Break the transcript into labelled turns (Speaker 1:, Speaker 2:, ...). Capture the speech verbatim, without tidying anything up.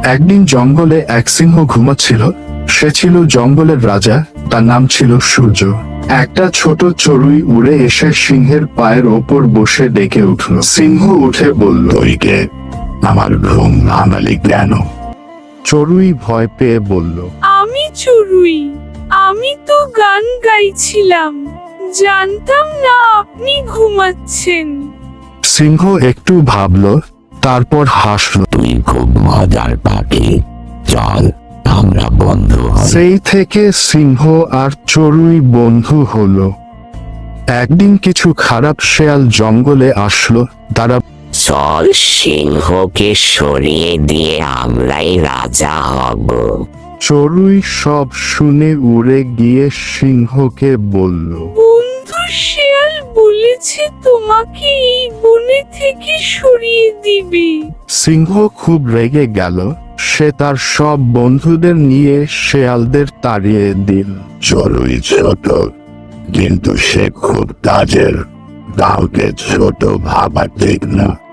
Speaker 1: একদিন জঙ্গলে এক সিংহ ঘুমাচ্ছিল। সে ছিল জঙ্গলের রাজা, তার নাম ছিল সূর্য। একটা ছোট চড়ুই উড়ে এসে সিংহের পায়ের ওপর বসে ডেকে উঠল। সিংহ উঠে বলল,
Speaker 2: তুই কে? আমার ঘুম ভাঙালি কেন?
Speaker 1: চড়ুই ভয় পেয়ে বলল,
Speaker 3: আমি চড়ুই, আমি তো গান গাইছিলাম, জানতাম না আপনি ঘুমাচ্ছেন।
Speaker 1: সিংহ একটু ভাবল, তারপর হাসল।
Speaker 2: তুই খুব মজার পাখি, চল আমরা বন্ধু হই।
Speaker 1: সেই থেকে সিংহ আর চড়ুই বন্ধু হলো। একদিন কিছু খারাপ শেয়াল জঙ্গলে আসলো। তারা
Speaker 4: চল সিংহকে সরিয়ে দিয়ে আমরাই রাজা হব।
Speaker 1: চড়ুই সব শুনে উড়ে গিয়ে সিংহকে বলল,
Speaker 3: বন্ধু শিয়াল বলেছে তোমাকে এই বনে থেকে সরিয়ে দিবে।
Speaker 1: সিংহ খুব রেগে গেল। সে তার সব বন্ধুদের নিয়ে শেয়ালদের তাড়িয়ে দিল।
Speaker 2: চড়ুই ছোট, কিন্তু সে খুব কাজের। কাউকে ছোট ভাবা ঠিক না।